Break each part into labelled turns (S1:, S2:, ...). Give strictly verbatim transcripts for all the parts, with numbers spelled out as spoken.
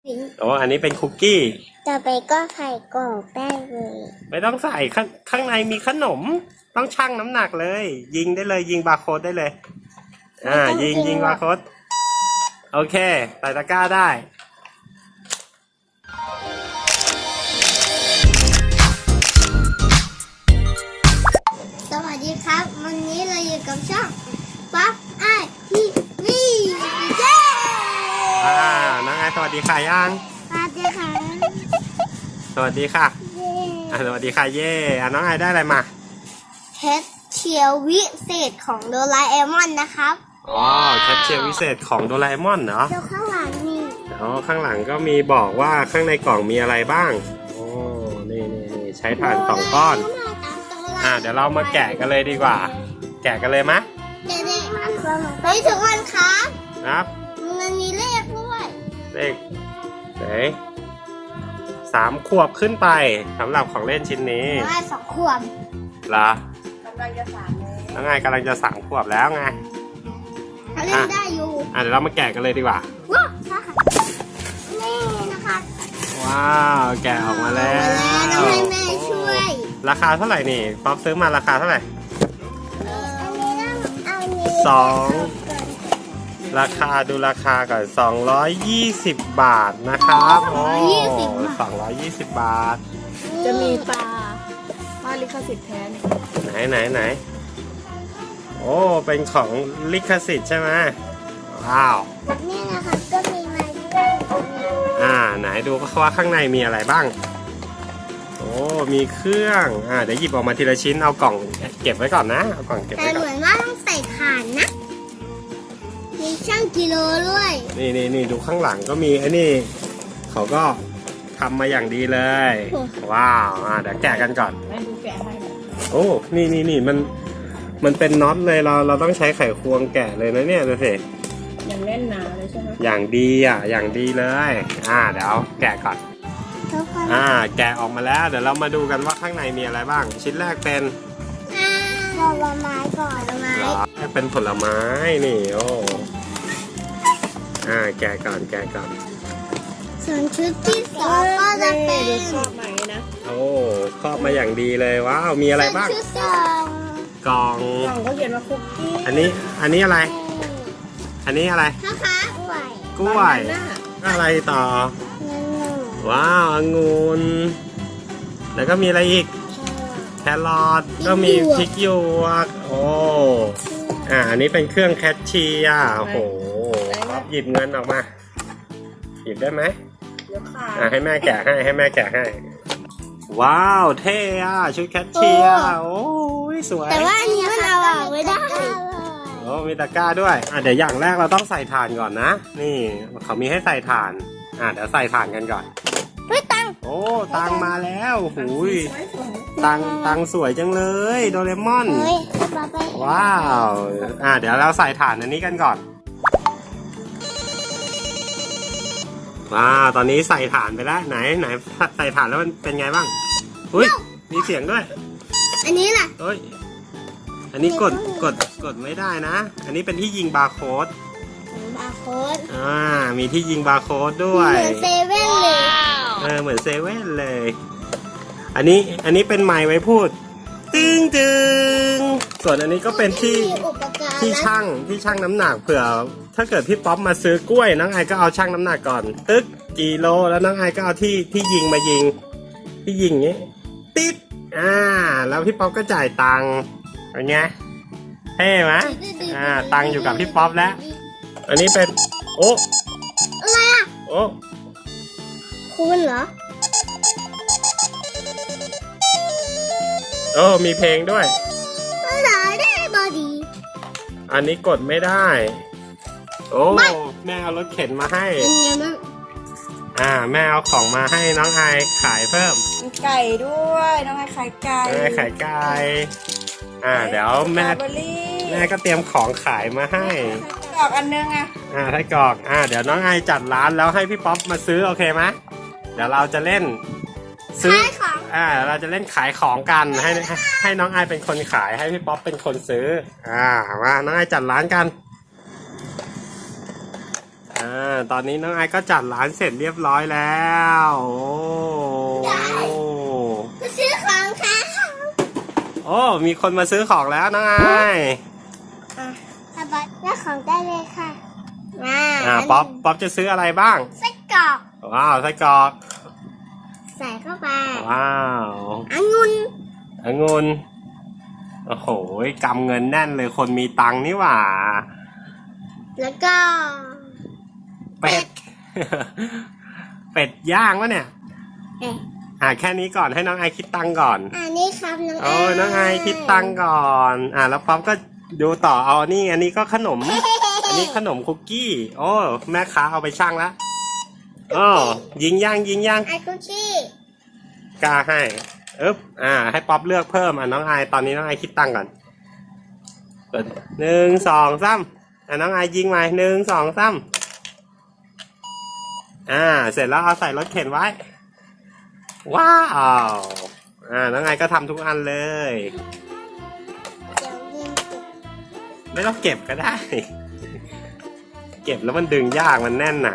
S1: โอ้อันนี้เป็นคุกกี้
S2: ต่อไปก็ไข่กรอกได้เลย
S1: ไม่ต้องใส่ข้างข้างในมีขนมต้องชั่งน้ำหนักเลย ยิงได้เลยยิงบาร์โค้ดได้เลยอ่ายิงยิงบาร์โค้ดโอเคใส่ตะกร้าได้
S2: สวัสดีครับวันนี้เราอยู่กับช่องป๊อปไอทีวีเย้
S1: อ่าน้องไอสวัสดีค่ะยัง
S2: สวัสดีค่ะ
S1: สวัสดีค่ะ
S2: เย้
S1: อ่าสวัสดีค่ะเย่อ่าน้องไอได้อะไรมา
S2: แคชเชียร์วิเศษของโดราเอมอนนะครับ
S1: อ๋อแคชเชียร์วิเศษของโดราเอมอนเหรอ
S2: ดูข้างหลังนี่
S1: อ๋อข้างหลังก็มีบอกว่าข้างในกล่องมีอะไรบ้างโอ้นี่นี่นี่ใช้ถ่านสองก้อนอ่าเดี๋ยวเรามาแกะกันเลยดีกว่าแกะกันเลยไหม
S2: เด็กๆมันเฮ้ยทุกคนครับ
S1: ครับ
S2: มันมีเลขด้วย
S1: เลขไหนสามขวบขึ้นไปสำหรับของเล่นชิ้นนี้
S2: ได้สองขวบ
S1: เหรอกำลังจะสามแล้วไงกำลังจะสามขวบแล้วไง
S2: เขาเล่นได้อยู่
S1: อ่ะเดี๋ยวเรามาแกะกันเลยดีกว่า
S2: ว้าวค่ะนี่นะคะ
S1: ว้าวแกะออกมาแล้ว
S2: ต้องให้แม่ช่วย
S1: ราคาเท่าไหร่นี่ป๊อปซื้อมาราคาเท่าไหร่สองราคาดูราคาก่อนสองร้อยยี่สิบบาทนะครับโอ้สองร้อยยี่สิบบาท
S3: จะมีปลาปลาลิขสิทธิ์แท้
S1: ไหนไหนไหนโอ้เป็นของลิขสิทธิ์ใช่ไหมว้าว
S2: นี่นะคะก็มีมาด้วย
S1: อ่าไหนดูว่าข้างในมีอะไรบ้างโอ้มีเครื่องอ่าเดี๋ยวหยิบออกมาทีละชิ้นเอากล่องเก็บไว้ก่อนนะเอากล่องเก็บไว้ก่อน
S2: แต่เหมือนว่าต้องใส่ถ่านนะมีช่างกิโลด้วย
S1: นี่นี่นี่ดูข้างหลังก็มีไอ้นี่เขาก็ทำมาอย่างดีเลยว้าวอ่าเดี๋ยวแกะกันก่อน
S3: ให้ดูแกะให้
S1: โอ้นี่นี่นี่มันมันเป็นน็อตเลยเราเราต้องใช้ไขควงแกะเลยนะเนี่ยดูสิ
S3: อย่างแน่นหนาเลยใช่ไหม
S1: อย่างดีอ่ะอย่างดีเลยอ่าเดี๋ยวแกะก่อนอ่าแกะออกมาแล้วเดี๋ยวเรามาดูกันว่าข้างในมีอะไรบ้างชิ้นแรกเป็น
S2: ผลไม้ก่อนผลไม้
S1: เป็นผลไม้นี่โอ้อ่าแกะก่อนแกะก่อน
S2: ส่วนชุดที่สองก็จะเป็น
S3: ชอบไหมนะ
S1: โอ้ครอบมาอย่างดีเลยว้าวมีอะไรบ้าง
S2: ชุดสอง
S1: กล่อง
S3: กล่องก็เขียนว่าคุกกี้
S1: อันนี้อันนี้อะไรอันนี้อะไร
S2: นะคะกล้วย
S1: กล้วยอะไรต่อว้าวองุ่นแล้วก็มีอะไรอีกแครอทก็มีพริกหยวกโอ้อ่าอันนี้เป็นเครื่องแคชเชียร์โอ้โหหยิบเงินออกมาหยิบได้ไหมอ่าให้แม่แกะให้ให้แม่แกะให้ว้าวเท่อะชุดแคชเชียร์โอ้ยสวย
S2: แต่ว่าอันนี้มันเอาออกไม่ได้
S1: โอ้มีตะกร้าด้วยอ่ะเดี๋ยวอย่างแรกเราต้องใส่ถ่านก่อนนะนี่เขามีให้ใส่ถ่านอ่ะเดี๋ยวใส่ถ่านกันก่อน
S2: เฮ้ยตัง
S1: โอ้ตังมาแล้วหูยตังตังสวยจังเลยโดเรมอนว้าวอ่ะเดี๋ยวเราใส่ถ่านอันนี้กันก่อนว้าวตอนนี้ใส่ถ่านไปแล้วไหนไหนใส่ถ่านแล้วมันเป็นไงบ้างอุ้ยมีเสียงด้วย
S2: อันนี้ล่ะ
S1: เฮ้ยอันนี้กดกดกดไม่ได้นะอันนี้เป็นที่ยิงบาร์โค้ด
S2: บาร์โค้ด
S1: อ่ามีที่ยิงบาร์โค้ดด้วย
S2: เหมือนเซเว่นเลย
S1: เออเหมือนเซเว่นเลยอันนี้อันนี้เป็นไมค์ไว้พูดตึงตึงส่วนอันนี้ก็เป็นที่ที่ช่างที่ช่างน้ำหนักเผื่อถ้าเกิดพี่ป๊อปมาซื้อกล้วยน้องไอก็เอาช่างน้ำหนักก่อนตึ๊กกี่โลแล้วน้องไอก็เอาที่ที่ยิงมายิงที่ยิงนี้ติ๊ดอ่าแล้วพี่ป๊อปก็จ่ายตังค์เป็นไงเท่ไหมอ่าตังค์อยู่กับพี่ป๊อปแล้วอันนี้เป็นโอ้
S2: อะไรอ่ะ
S1: โอ้
S2: คุณเหรอ
S1: โอ้มีเพลงด้วยอันนี้กดไม่ได้โอ้แม่เอารถเข็นมาให้อ่าแม่เอาของมาให้น้องไอขายเพิ่ม
S3: ไก่ด้วยน้องไอขายไก่
S1: น้องไอขายไก่อ่าเดี๋ยวแม่แม่ก็เตรียมของขายมาให้
S3: กรอกอันนึงอ่ะ
S1: อ่าให้กรอกอ่าเดี๋ยวน้องไอจัดร้านแล้วให้พี่ป๊อปมาซื้อโอเคไหมเดี๋ยวเราจะเล่นซื้ออ่าเราจะเล่นขายของกันให้ให้น้องไอเป็นคนขายให้พี่ป๊อปเป็นคนซื้ออ่ามาน้องไอจัดร้านกันอ่าาตอนนี้น้องไอซ์ก็จัดร้านเสร็จเรียบร้อยแล้ว โอ้
S2: มาซื้อของค่ะ
S1: โอ้มีคนมาซื้อของแล้วน้องไอซ์
S2: อ่ะอาบัตได้ของได้เลยค่ะมา
S1: อ่าป๊อปป๊อปจะซื้ออะไรบ้าง
S2: ไส้กรอก
S1: ว้าวไส้กรอก
S2: ใส่เข้าไป
S1: ว้าว
S2: องุ่น
S1: องุ่นโอ้โหกำเงินแน่นเลยคนมีตังค์นี่หว่า
S2: แล้วก็
S1: เป็ด เป็ดย่างวะเนี่ย
S2: เอ๊ะ
S1: อ่าแค่นี้ก่อนให้น้องไอคิดตังค์ก่อน
S2: อันนี้ครับน้อง
S1: โอ้ยน้องไอคิดตังค์ก่อน อ่าแล้วป๊อปก็ดูต่อเอานี่อันนี้ก็ขนม อันนี้ขนมคุกกี้ โอ้แม่ค้าเอาไปชั่งแล้วโอ้ยิงย่างยิงย่าง
S2: ไอคุกกี้
S1: กล้าให้อึ๊บอ่า ให้ป๊อปเลือกเพิ่มอ่ะน้องไอตอนนี้น้องไอคิดตังค์ก่อนเปิดหนึ่งสองสามอ่ะน้องไอยิงมาหนึ่งสองสามอ่า เสร็จแล้วเอาใส่รถเข็นไว้ ว้าว อ่า น้องไอก็ทำทุกอันเลย
S2: เดี๋ยวเย็นจุก
S1: ไม่ต้องเก็บก็ได้ เก็บแล้วมันดึงยากมันแน่นหนา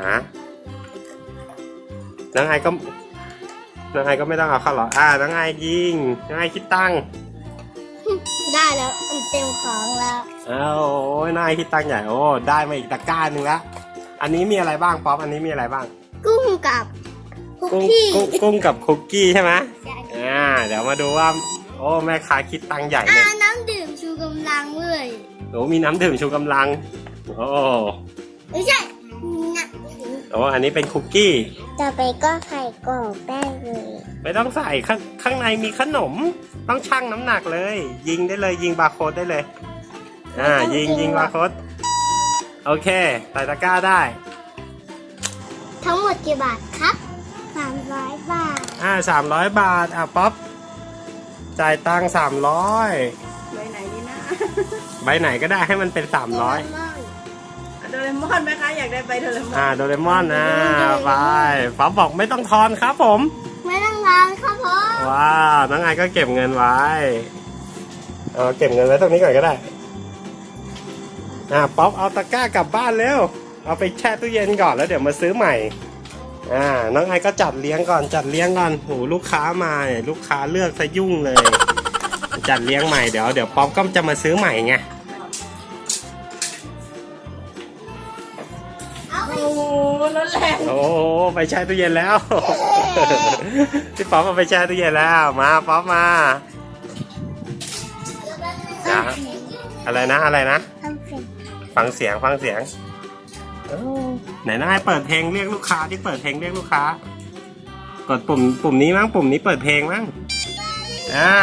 S1: น้องไอก็ น้องไอก็ไม่ต้องเอาเข้าหรอกอ่า น้องไอยิง น้องไอคิดตังค์
S2: ได้แล้วมันเต็มของแล้ว
S1: อ้าวโอ้ยน้องไอคิดตังค์ใหญ่ โอ้ ได้มาอีกตะกร้าหนึ่งละอันนี้มีอะไรบ้างป๊อป อันนี้มีอะไรบ้าง
S2: กุ้งกับคุก
S1: กุ้ง
S2: กี้
S1: กุ้งกุ้งกับคุกกี้ใช่ไหม
S2: ใช่
S1: อ่า เดี๋ยวมาดูว่า โอ้ แม่ค้าคิดตังค์ใหญ่เล
S2: อ่าย น้ำดื่มชูกำลังเลย
S1: โอ้มีน้ำดื่มชูกำลัง โอ้
S2: ไม่ใช่นะ
S1: โอ้อันนี้เป็นคุกกี้
S2: ต่อไปก็ไข่กรอบได้เลย
S1: ไม่ต้องใส่ข้างข้างในมีขนม ต้องชั่งน้ำหนักเลย ยิงได้เลยยิงบาร์โค้ดได้เลย อ่า ยิงยิงบาร์โค้ดโอเคใส่ตะกร้าได้
S2: ทั้งหมดกี่บาทครับสามร้อยบาท
S1: อ่าสามร้อยบาท อ่ะป๊อปจ่ายตังค์สามร้อย
S3: ใบไหนดีนะ
S1: ใบไหนก็ได้ให้มันเป็นสามร้อย
S3: โดเรมอนไหมคะ อยากได้ใบโดเรมอน
S1: อ่าโดเรมอนอ่าไปป๊อปบอกไม่ต้องทอนครับผม
S2: ไม่ต้องรอนครับผม
S1: ว้าวน้องไอก็เก็บเงินไว้เออเก็บเงินไว้ตรงนี้ก่อนก็ได้ อ่าป๊อปเอาตะกร้ากลับบ้านเร็ว เอาไปแช่ตู้เย็นก่อนแล้วเดี๋ยวมาซื้อใหม่ อ่า น้องไอก็จัดเลี้ยงก่อนจัดเลี้ยงก่อนโหลูกค้ามาเนี่ยลูกค้าเลือกซะยุ่งเลย จัดเลี้ยงใหม่เดี๋ยวเดี๋ยวป๊อปก็จะมาซื้อใหม่ไง
S2: เอาไป
S3: โอ้โหรถแรง
S1: โอ้ไปแช่ตู้เย็นแล้ว พี่ป๊อปเอาไปแช่ตู้เย็นแล้วมาป๊อปมาจ้าอะไรนะอะไรนะ
S2: ทำเสร็จ
S1: ฟังเสียงฟังเสียงเอ้าไหนน้าให้เปิดเพลงเรียกลูกค้าที่เปิดเพลงเรียกลูกค้ากดปุ่มปุ่มนี้มั้งปุ่มนี้เปิดเพลงมั้งอ่า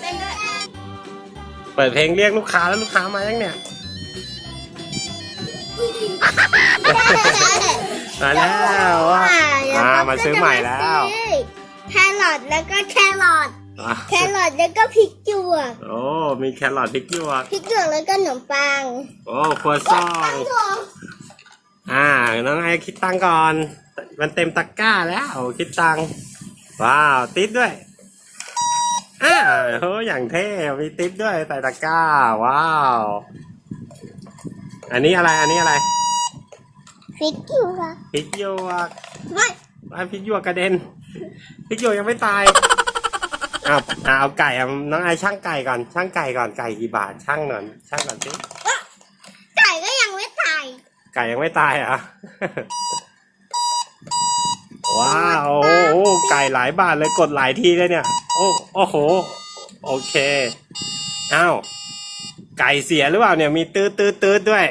S1: เปิดเพลงเรียกลูกค้าแล้วลูกค้ามายังเนี่ยมาแล้วว่ะอ่ามาซื้อใหม่แล้ว
S2: แครอทแล้วก็แครอท
S1: อ่ะ
S2: แครอทแล้วก็พริกหยวก
S1: โอ้มีแครอทพริกหยวก
S2: พริกหยวกแล้วก็ขนมปัง
S1: โอ้ครัวซอง อ่า น้องไอคิดตังค์ก่อน มันเต็มตะกร้าแล้ว คิดตังค์ว้าว ติ๊บด้วย อ่าโหอย่างเท่ มีติ๊บด้วยใส่ตะกร้า ว้าว อันนี้อะไร อันนี้อะไร
S2: พริกหยวก
S1: พริกหยวก
S2: ไม่
S1: ว้าวพริกหยวกกระเด็น พริกหยวกยังไม่ตายอ้าวอ่าเอาไก่เอาน้องไอช่างไก่ก่อน ช่างไก่ก่อน ไก่กี่บาท ช่างหน่อยช่างก่อนสิ
S2: ไก่ก็ยังไม่ตาย
S1: ไก่ยังไม่ตายเหรอ่ะ ว้าวโอ้โหไก่หลายบาทเลยกดหลายทีเลยเนี่ย โอ้โอ้โห โอเค อ้าว ไก่เสียหรือเปล่าเนี่ยมีตืดตืดตืดด้วย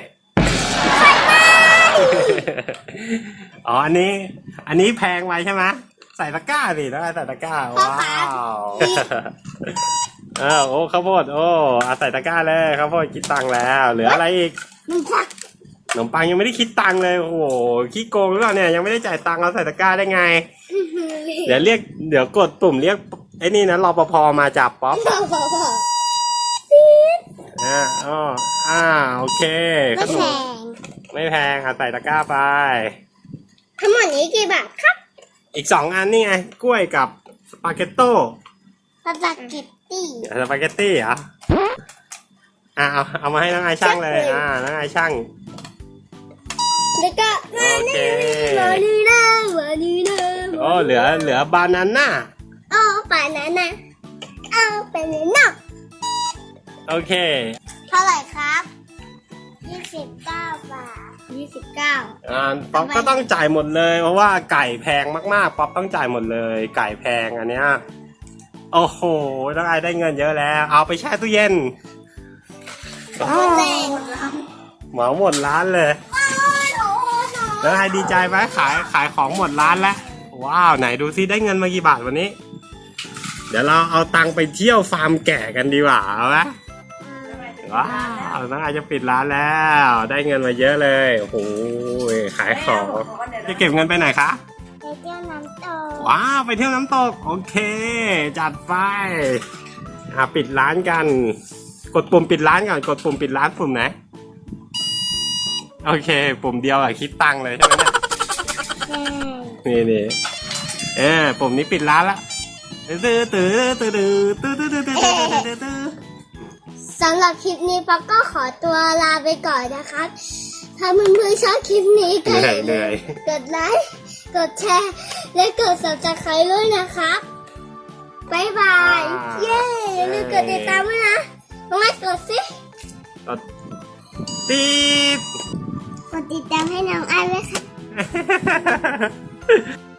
S1: อ๋อ อันนี้ อันนี้แพงไว้ใช่ไหมใส่ตะกร้าสิแล้วใส่ตะกร้า ว้าวเออโอ้ข้าวโพดโอ้เอาใส่ตะกร้าเลยข้าวโพดคิดตังค์แล้ว เหลืออะไรอีก
S2: มันควัก
S1: ขนมปังยังไม่ได้คิดตังค์เลยโอ้โหขี้โกงหรือเปล่าเนี่ยยังไม่ได้จ่ายตังค์เอาใส่ตะกร้าได้ไง เดี๋ยวเรียกเดี๋ยวกดปุ่มเรียกไอ้นี่นะรปภมาจับป๊อป
S2: บอกบอกบอก
S1: อ่าอ๋ออ่าโอเค
S2: ไม่
S1: ขน
S2: แพ
S1: ม
S2: ง
S1: ไม่แพงค่ะใส่ตะกร้าไป
S2: ทั้งหมดนี้กี่บาทครับ
S1: อีกสองอันนี่ไงกล้วยกับสปาเกตโต้
S2: สปาเกตตี้
S1: สปาเกตตี้เหรออ่าเอาเอามาให้น้องไอช่างเลยอ่าน้องไอช่าง
S2: แล้วก็
S1: โอเค
S2: มานีนะมานีนะ
S1: โอ้เหลือเหลือบานาน่า
S2: โอ้ปานานะเอาไปเลยนะ
S1: โอเค
S2: เท่าไหร่ครับยี่สิบเก้าบาทยี่สิบเก้า
S1: อ่าป๊อปก็ต้องจ่ายหมดเลยเพราะว่าไก่แพงมากๆป๊อปต้องจ่ายหมดเลย ไก่แพงอันเนี้ยโอ้โหน้องไอได้เงินเยอะแล้ว เอาไปแช่ตู้เย็น
S2: แรง
S1: เหมาหมดร้านเลยแล้วไอดีใจไหมขายขายของหมดร้านแล้วว้าวไหนดูซิได้เงินมากี่บาทวันนี้ เดี๋ยวเราเอาตังค์ไปเที่ยวฟาร์มแกะกันดีกว่าเอาไหมว้าวน้องไอจะปิดร้านแล้ว ได้เงินมาเยอะเลยโอ้โหขายของจะเก็บเงินไปไหนคะ
S2: ไปเที่ยวน้ำตก
S1: ว้าวไปเที่ยวน้ำตกโอเค จัดไปอ่ะปิดร้านกัน กดปุ่มปิดร้านก่อนกดปุ่มปิดร้านปุ่มไหนโอเค ปุ่มเดียวอะคิดตังค์เลยใช่ไหมเนี่ยนี่นี่เออปุ่มนี้ปิดร้านละตื้อตื้อตื้อตื้อตื้อตื้อตื้อตื้อตื้อตื้อ
S2: สำหรับคลิปนี้ป๊อกก็ขอตัวลาไปก่อนนะครับ ถ้าเพื่อนๆชอบคลิปนี้ก็
S1: เหนื่อยเหนื่อย
S2: กดไลค์กดแชร์และกด ซับสไครบ์ ด้วยนะครับบ๊ายบายเย้อย่าลืมกดติดตามด้วยนะน้องไอ้กดสิ
S1: กดตีด
S2: กดติดตามให้น้องไอ้ไว้ค่ะ